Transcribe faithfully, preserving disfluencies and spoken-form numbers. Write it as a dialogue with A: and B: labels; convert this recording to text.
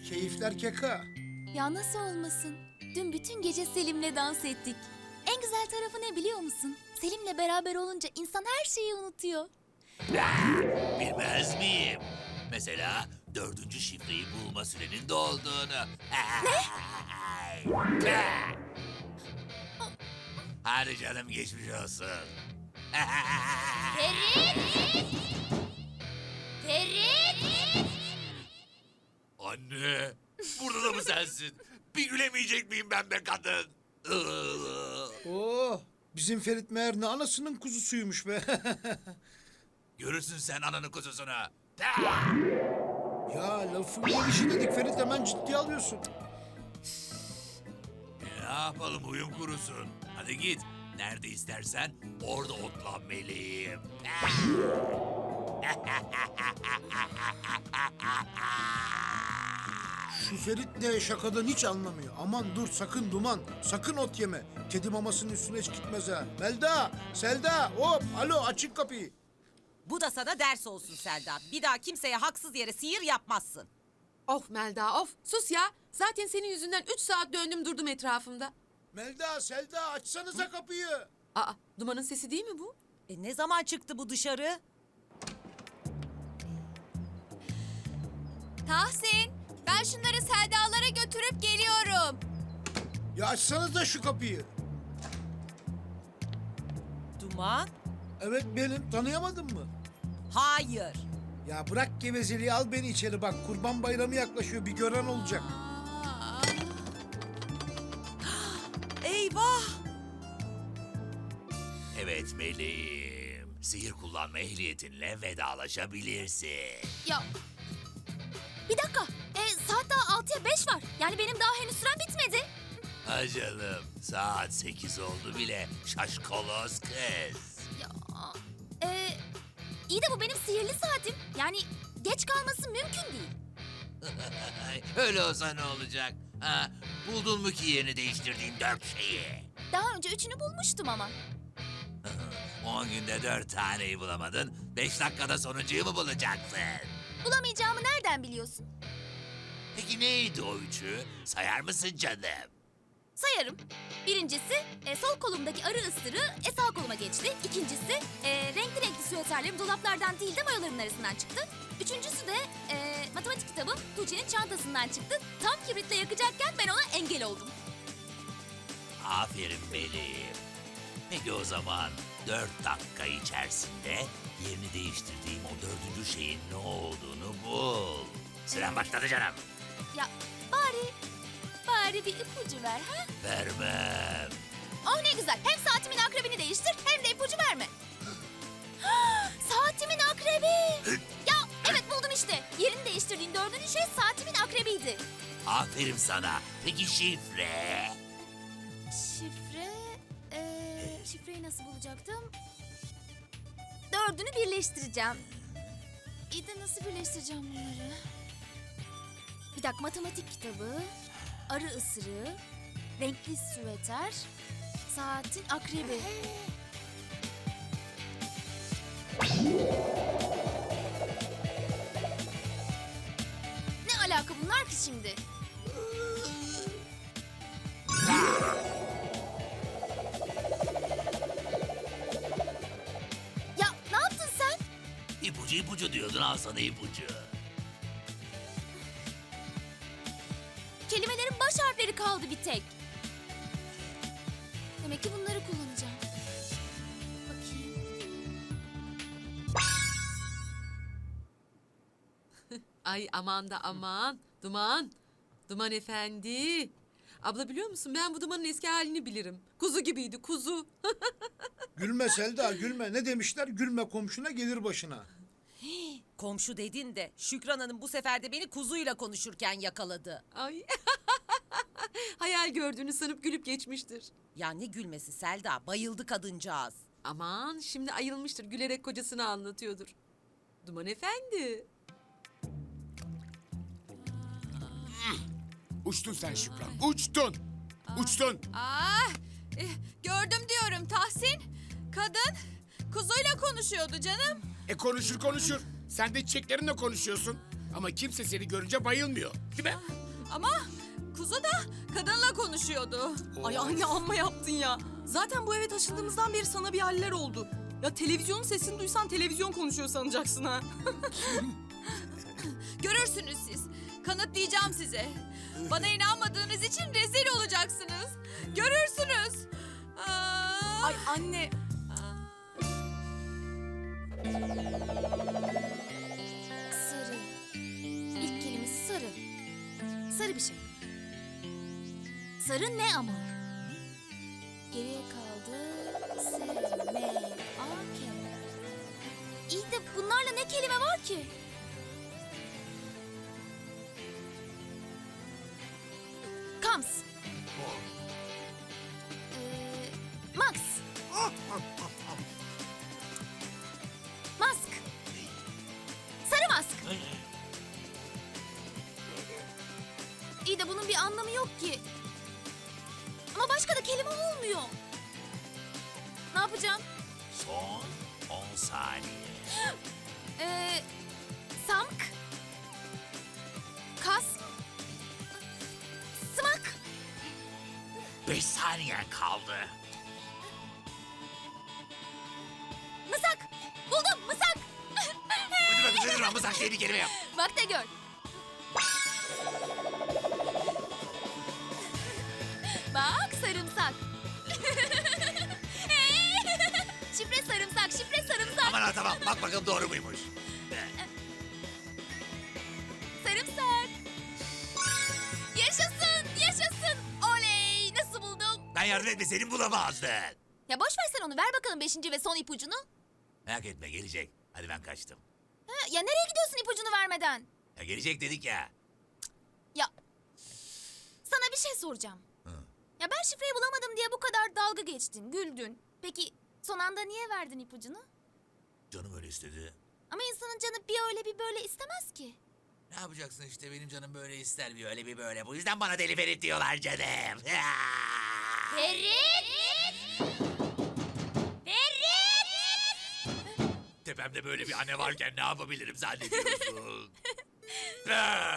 A: Keyifler keka.
B: Ya nasıl olmasın? Dün bütün gece Selim'le dans ettik. En güzel tarafı ne biliyor musun? Selim'le beraber olunca insan her şeyi unutuyor.
C: Bilmez miyim? Mesela dördüncü şifreyi bulma sürenin dolduğunu. Ne? Hadi canım geçmiş olsun.
B: Ferit! Ferit!
C: Anne, burada da mı sensin? Bir gülemeyecek miyim ben be kadın?
A: Oh, bizim Ferit meğer ne anasının kuzusuymuş be.
C: Görürsün sen ananın kuzusunu.
A: Ya lafın gelişi dedik Ferit, hemen ciddiye alıyorsun.
C: Ne yapalım, uyum kurusun. Hadi git. Nerede istersen orada otlan meleğim.
A: Şu Ferit de şakadan hiç anlamıyor. Aman dur, sakın Duman, sakın ot yeme. Kedi mamasının üstüne hiç gitmez ha. Melda, Selda, hop, alo, açın kapıyı.
D: Bu da sana ders olsun Selda. Bir daha kimseye haksız yere sihir yapmazsın.
E: Of Melda of. Sus ya. Zaten senin yüzünden üç saat döndüm durdum etrafımda.
A: Melda, Selda, açsanıza kapıyı.
E: Aa, Duman'ın sesi değil mi bu?
D: E ne zaman çıktı bu dışarı?
B: Tahsin, ben şunları Selda'lara götürüp geliyorum.
A: Ya açsanıza şu kapıyı.
D: Duman?
A: Evet benim, tanıyamadın mı?
D: Hayır.
A: Ya bırak gevezeliği, al beni içeri bak. Kurban bayramı yaklaşıyor, bir gören olacak.
D: Eyvah!
C: Evet meleğim. Sihir kullanma ehliyetinle vedalaşabilirsin.
B: Ya, bir dakika. E, saat daha altıya beş var. Yani benim daha henüz sürem bitmedi.
C: Ha canım, saat sekiz oldu bile. Şaşkolos kız.
B: Ya, e, iyi de bu benim sihirli saatim. Yani geç kalması mümkün değil.
C: Öyle olsa ne olacak? Ha, buldun mu ki yerini değiştirdiğin dört şeyi?
B: Daha önce üçünü bulmuştum ama.
C: On günde dört taneyi bulamadın, beş dakikada sonuncuyu mu bulacaksın?
B: Bulamayacağımı nereden biliyorsun?
C: Peki neydi o üçü? Sayar mısın canım?
B: Sayarım. Birincisi e, sol kolumdaki arı ısırığı e, sağ koluma geçti. İkincisi e, renkli renkli süveterlerim dolaplardan değil de mayoların arasından çıktı. Üçüncüsü de e, matematik kitabım Tuğçe'nin çantasından çıktı. Tam kibritle yakacakken ben ona engel oldum.
C: Aferin meleğim. Peki o zaman dört dakika içerisinde yerini değiştirdiğim o dördüncü şeyin ne olduğunu bul. Süren başladı canım.
B: Ya bari, bari bir ipucu ver ha?
C: Vermem.
B: Oh ne güzel. Hem saatimin akrebini değiştir hem de ipucu verme. Saatimin akrebi. Ya evet buldum işte. Yerini değiştirdiğin dördüncü şey saatimin akrebiydi.
C: Aferin sana. Peki şifre?
B: Şifre... Ee, şifreyi nasıl bulacaktım? Dördünü birleştireceğim. İyi de nasıl birleştireceğim bunları? Bir dakika, matematik kitabı, arı ısırığı, renkli süveter, saatin akrebi. Ne alaka bunlar ki şimdi? Ya ne yaptın sen?
C: İpucu ipucu diyordun, al sana ipucu.
B: Kelimelerin baş harfleri kaldı bir tek. Demek ki bunları kullanacağım. Bakayım.
E: Ay aman da aman. Duman. Duman efendi. Abla biliyor musun, ben bu Duman'ın eski halini bilirim. Kuzu gibiydi, kuzu.
A: Gülme Selda, gülme. Ne demişler? Gülme komşuna, gelir başına.
D: Komşu dedin de Şükran Hanım bu sefer de beni kuzuyla konuşurken yakaladı.
E: Ay. Hayal gördüğünü sanıp gülüp geçmiştir.
D: Ya ne gülmesi Selda, bayıldı kadıncağız.
E: Aman şimdi ayılmıştır, gülerek kocasını anlatıyordur. Duman efendi.
F: Uçtun sen Şükran, uçtun. Uçtun.
G: Ah, eh, gördüm diyorum Tahsin. Kadın kuzuyla konuşuyordu canım.
F: E konuşur konuşur. Sen de çiçeklerinle konuşuyorsun. Ama kimse seni görünce bayılmıyor. Değil mi?
G: Ama kuzu da kadınla konuşuyordu.
H: Ay anne amma yaptın ya. Zaten bu eve taşındığımızdan beri sana bir haller oldu. Ya televizyonun sesini duysan televizyon konuşuyor sanacaksın ha.
G: Görürsünüz siz. Kanıtlayacağım size. Bana inanmadığınız için rezil olacaksınız. Görürsünüz. Aa,
H: Ay anne.
B: Sarı. İlk kelimesi sarı. Sarı bir şey. Sarı ne ama? Geriye kaldı. S, M, A, K. İyi de bunlarla ne kelime var ki? Kams. Ee, Max. Mask. Sarı mask. İyi de bunun bir anlamı yok ki. Ama başka da kelime olmuyor. Ne yapacağım?
C: Son on saniye.
B: Ee, samk. Kas. Sımak.
C: Beş saniyen kaldı.
B: Mısak. Buldum mısak.
C: Hadi bakın hadi Ramazan şeyini kelime yap.
B: Bak da gör. Bak sarımsak. Şifre sarımsak, şifre sarımsak.
C: Aman ha tamam bak bakalım doğru muymuş.
B: Sarımsak. Yaşasın, yaşasın. Oley, nasıl buldum?
C: Ben yardım etmeseydim bulamazdın.
B: Ya boş ver sen onu, ver bakalım beşinci ve son ipucunu.
C: Merak etme gelecek. Hadi ben kaçtım.
B: Ha, ya nereye gidiyorsun ipucunu vermeden?
C: Ya gelecek dedik ya.
B: Ya sana bir şey soracağım. Ya ben şifreyi bulamadım diye bu kadar dalga geçtin, güldün. Peki son anda niye verdin ipucunu?
C: Canım öyle istedi.
B: Ama insanın canı bir öyle bir böyle istemez ki.
C: Ne yapacaksın işte benim canım böyle ister bir öyle bir böyle. Bu yüzden bana deli Ferit diyorlar canım.
B: Ferit! Ferit!
C: Tepemde böyle bir anne varken ne yapabilirim zannediyorsun? Ah!